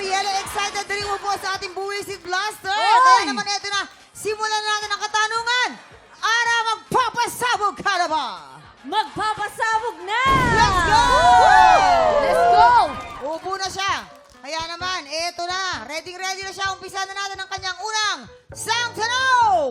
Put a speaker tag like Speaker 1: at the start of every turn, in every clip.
Speaker 1: Mariela, excited na rin mo po sa ating Buwisit Blaster. Kaya naman ito na, simulan na natin ang katanungan. Ara, magpapasabog ka na ba?
Speaker 2: Magpapasabog na!
Speaker 1: Let's go!
Speaker 2: Let's go!
Speaker 1: Upo na siya. Kaya naman, eto na. Ready na siya. Umpisa na natin ang kanyang unang Sang Tanong!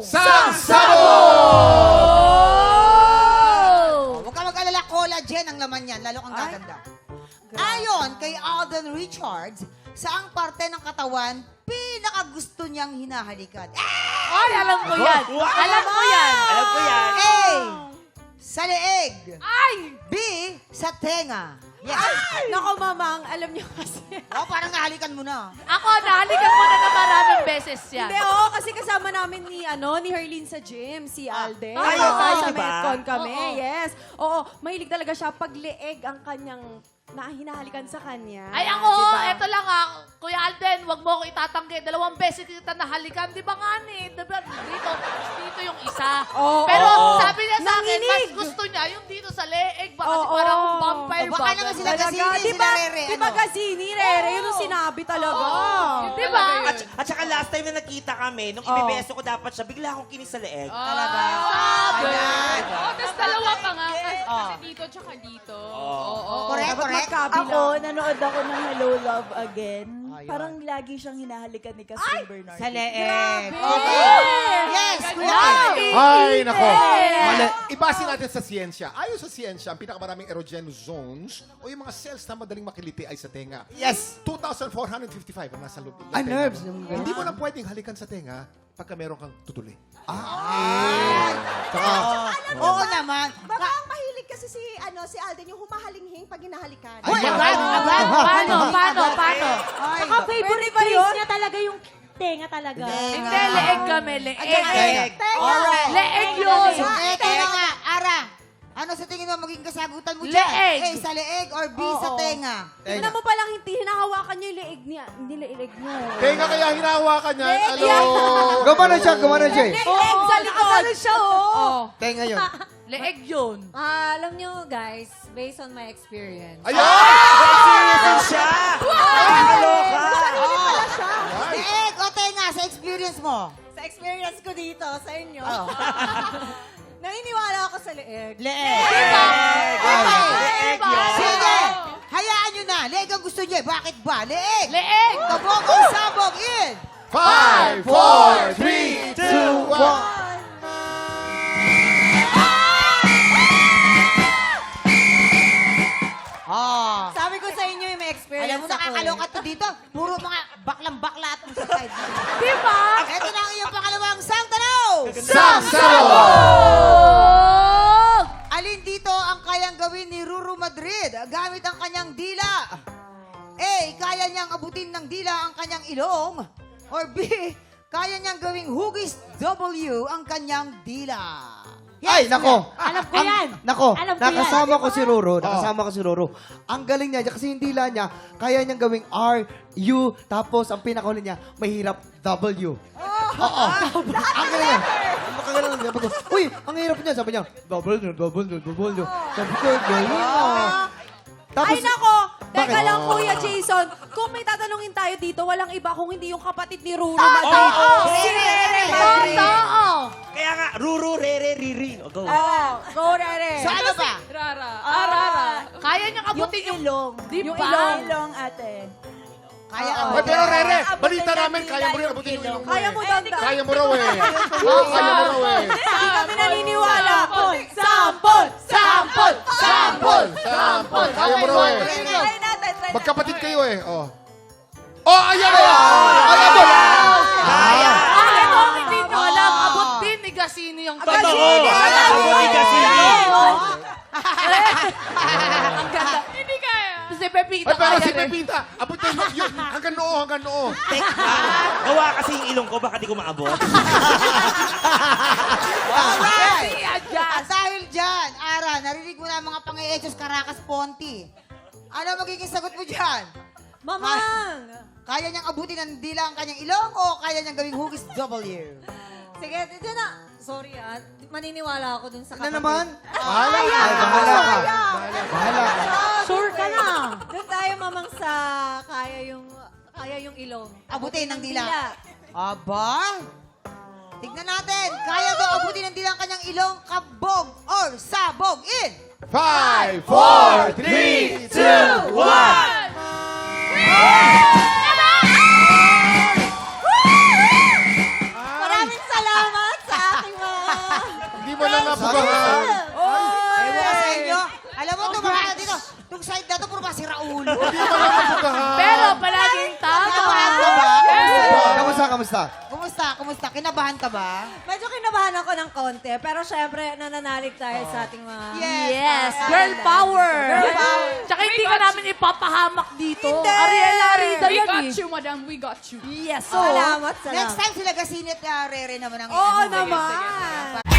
Speaker 1: Huwag ka mag-alala, collagen ang laman yan. Lalo kang gaganda. Ayon kay Alden Richards, saang parte ng katawan pinakagusto niyang hinahalikan?
Speaker 2: Ay, alam ko yan! Alam ko yan!
Speaker 3: Alam ko yan.
Speaker 1: A. Sa leeg.
Speaker 2: Ay!
Speaker 1: B. Sa tenga. Yes.
Speaker 4: Nako, mamang, alam niyo kasi.
Speaker 1: Oh, parang nahalikan mo na.
Speaker 2: Ako, nahalikan mo na maraming beses yan.
Speaker 4: Hindi, kasi kasama namin ni Herlene sa gym, si Alden.
Speaker 2: Ay,
Speaker 4: Sa
Speaker 3: diba?
Speaker 4: Metcon kami,
Speaker 2: Oo.
Speaker 4: yes. Oo, mahilig talaga siya pag leeg ang kanyang hinahalikan sa kanya.
Speaker 2: Ay, ako,
Speaker 4: Diba?
Speaker 2: eto lang Kuya Alden, wag mo ako itatanggi. 2 beses kita nahalikan. Di ba nga ni? Diba, dito yung isa.
Speaker 4: Oo.
Speaker 2: Pero
Speaker 4: Oo.
Speaker 2: sabi niya sa akin, mas
Speaker 4: Nanginig.
Speaker 2: gusto niya yung dito sa leeg. Baka
Speaker 4: Oo.
Speaker 2: parang vampire
Speaker 1: O, baka naman sila
Speaker 4: Talaga,
Speaker 1: Gazini,
Speaker 4: di
Speaker 1: sila
Speaker 4: ba?
Speaker 1: Rere,
Speaker 4: Di ba
Speaker 1: ano?
Speaker 4: Gazini, Rere? Yun ang sinabi talaga.
Speaker 2: Di ba?
Speaker 3: At saka last time na nakita kami, nung ibibeso ko dapat siya, bigla akong kinis sa leeg.
Speaker 1: Talaga.
Speaker 2: Sabi.
Speaker 1: Ayan.
Speaker 5: Tapos dalawa pa nga.
Speaker 1: Oh.
Speaker 5: Kasi dito tsaka dito.
Speaker 1: Correct,
Speaker 4: Dapat
Speaker 1: correct.
Speaker 4: magkabila.
Speaker 6: Ako, nanood ako ng Hello Love Again.
Speaker 1: Ayun.
Speaker 6: Parang lagi siyang hinahalikan ni Catherine Bernardo.
Speaker 1: Sa leeg. Okay. Yes, Kuya Kim.
Speaker 7: Ay, nako.
Speaker 2: Yeah.
Speaker 7: Mali. Ibasin natin sa siyensya. Ayon sa siyensya, ang pinakamaraming erogenous zones o yung mga cells na madaling makiliti ay sa tenga.
Speaker 1: Yes.
Speaker 7: 2,455 ang nasa loob ng
Speaker 1: Ah,
Speaker 7: tenga
Speaker 1: nerves.
Speaker 7: mo. Hindi mo na pwedeng halikan sa tenga pagka meron kang tutuli.
Speaker 1: Ay. Oo naman.
Speaker 8: Baka ang mahilig kasi si Alden yung humahalinghing pag hinahalikan.
Speaker 1: Uy, agad.
Speaker 2: Paano?
Speaker 1: Ay.
Speaker 2: Saka
Speaker 4: favorite place niya talaga yung tenga talaga.
Speaker 2: Hindi, leeg kami, leeg.
Speaker 1: Leeg. Alright.
Speaker 2: Leeg yun.
Speaker 1: So, eto na nga, Ara. Ano sa tingin mo magiging kasagutan mo dyan?
Speaker 2: Leeg.
Speaker 1: A, sa leeg or B, sa tenga?
Speaker 4: Una mo palang hindi hinahawakan niya yung leeg niya. Hindi leeg niya.
Speaker 7: Tenga kaya hinahawakan yan.
Speaker 4: Leeg
Speaker 7: Alo.
Speaker 4: yan.
Speaker 9: Gumano siya, eh.
Speaker 4: Leeg sa likod. Siya,
Speaker 9: Tenga yun.
Speaker 2: Leeg yun.
Speaker 10: Alam nyo guys, based on my experience.
Speaker 7: Ayan!
Speaker 3: Seryoso siya! Nakakaloka!
Speaker 1: Leeg o tenga sa experience mo?
Speaker 8: Sa experience ko dito, sa inyo, naniniwala ako sa leeg.
Speaker 1: Leeg.
Speaker 2: Diba?
Speaker 1: Okay.
Speaker 2: Diba?
Speaker 1: Sige. Hayaan nyo na. Leeg ang gusto nyo. Bakit ba? Leeg.
Speaker 2: Leeg.
Speaker 1: Kabog o sabog in.
Speaker 7: 5, 4, 3, 2, 1.
Speaker 1: Oh.
Speaker 8: Sabi ko sa inyo yung may experience
Speaker 1: Alam mo, nakakaloka to dito. Puro mga baklang-bakla at sa side.
Speaker 2: Diba?
Speaker 1: Ito na ang iyong pangalawang sang tanaw. Alin dito ang kayang gawin ni Ruru Madrid gamit ang kanyang dila? A. Kaya niyang abutin ng dila ang kanyang ilong. Or B. Kaya niyang gawing hugis W ang kanyang dila.
Speaker 9: Ay, nako.
Speaker 10: Alam ko yan.
Speaker 9: Nako,
Speaker 10: Alam ko
Speaker 9: nakasama ko si Roro. Nakasama ko si Roro. Ang galing niya, kasi yung dila niya, kaya niyang gawing R, U, tapos ang pinakahuli niya, mahirap W. Oo. Ang galing niya. Makagalan niya. Sabi ko, uy, ang hirap niya. Sabi niya, W. Sabi ko, galing ah. Tapos,
Speaker 4: Ay, nako! Teka
Speaker 9: Bakit?
Speaker 4: lang, Kuya Jason. Kung may tatanungin tayo dito, walang iba kung hindi yung kapatid ni Ruru.
Speaker 3: Si
Speaker 4: Rere
Speaker 2: Totoo.
Speaker 3: Kaya nga, Ruru, Rere, Riri. O, go.
Speaker 4: Go, Rere.
Speaker 1: So ano ba?
Speaker 5: Rara.
Speaker 2: Kaya niyang abutin yung...
Speaker 6: ilong.
Speaker 2: Diba?
Speaker 6: Yung ilong. Ilong, ate.
Speaker 1: Kaya
Speaker 9: Oo.
Speaker 1: ang
Speaker 7: Ay, pero Rere,
Speaker 6: Abutin
Speaker 7: balita
Speaker 6: ng
Speaker 7: namin,
Speaker 6: dila
Speaker 7: kaya mo rin
Speaker 6: yung
Speaker 7: abutin yung
Speaker 6: ilong.
Speaker 7: ilong mo
Speaker 4: Kaya
Speaker 7: eh.
Speaker 4: mo danda.
Speaker 7: Kaya mo raw eh. Oo, kaya mo raw eh.
Speaker 4: Hindi kami naniniwala.
Speaker 2: Sampol! Sampol!
Speaker 7: Sampol! Sampol! Kaya mo raw eh.
Speaker 4: Try natin, try
Speaker 7: Magkapatid kayo eh. Oh. Oh, ayan! Ayan doon!
Speaker 3: Kaya!
Speaker 2: Bakit mo hindi nyo alam? Abot din ni Gasini yung
Speaker 3: Totoo!
Speaker 4: Gasini!
Speaker 3: Ako ni Gasini!
Speaker 2: Ang ganda.
Speaker 5: Hindi kaya.
Speaker 2: Si Pepito
Speaker 7: Ay, pero
Speaker 2: kaya
Speaker 7: si
Speaker 2: rin.
Speaker 7: Pepita, abot na yun. Hanggang noo, hanggang noo.
Speaker 3: Gawa kasi yung ilong ko, baka di ko maabot.
Speaker 1: Alright!
Speaker 2: Siya
Speaker 1: At dahil dyan, Ara, narinig mo na ang mga pang-eechos Caracas Ponti. Ano magiging sagot mo dyan?
Speaker 4: Mamang!
Speaker 1: Kaya niyang abutin ng dila ang kanyang ilong o kaya niyang gawing hugis W?
Speaker 10: Sige, dito na. Sorry maniniwala ako dun sa
Speaker 9: ano
Speaker 10: kapatid.
Speaker 9: naman?
Speaker 7: Bahala ka.
Speaker 9: Ay, bahala ka. Bahala ka.
Speaker 4: Sure ka na.
Speaker 8: Doon tayo mamang sa kaya yung
Speaker 10: Kaya yung ilong.
Speaker 1: Abutin ng dila. Aba? Tignan natin. Kaya daw abutin ng dila ang kanyang ilong, kabog or sabog in.
Speaker 7: 5, 4, 3, 2, 1!
Speaker 8: Maraming salamat sa aking mga...
Speaker 7: Hindi mo na napugahan.
Speaker 1: Ewan ko sa inyo. Alam mo, tumahan dito. Itong side na to, puro ba si Raul?
Speaker 7: Hindi mo na napugahan.
Speaker 2: Pero palaging tama.
Speaker 1: Kinabahan ka ba?
Speaker 9: Kamusta?
Speaker 1: Kumusta? Kinabahan ka ba?
Speaker 10: Medyo kinabahan ako ng konti, pero syempre, nananalig tayo sa ating mga...
Speaker 2: Yes, girl power.
Speaker 10: Girl power.
Speaker 2: Tsaka hindi ka namin ipapahamak dito.
Speaker 10: Hindi.
Speaker 2: Ariel-arida
Speaker 5: We
Speaker 2: yan
Speaker 5: got
Speaker 2: eh.
Speaker 5: you, madam. We got you.
Speaker 2: Yes,
Speaker 10: Salamat, salamat.
Speaker 1: Next time sila Gasinit Rere naman ang
Speaker 10: Oo
Speaker 1: ano.
Speaker 10: naman.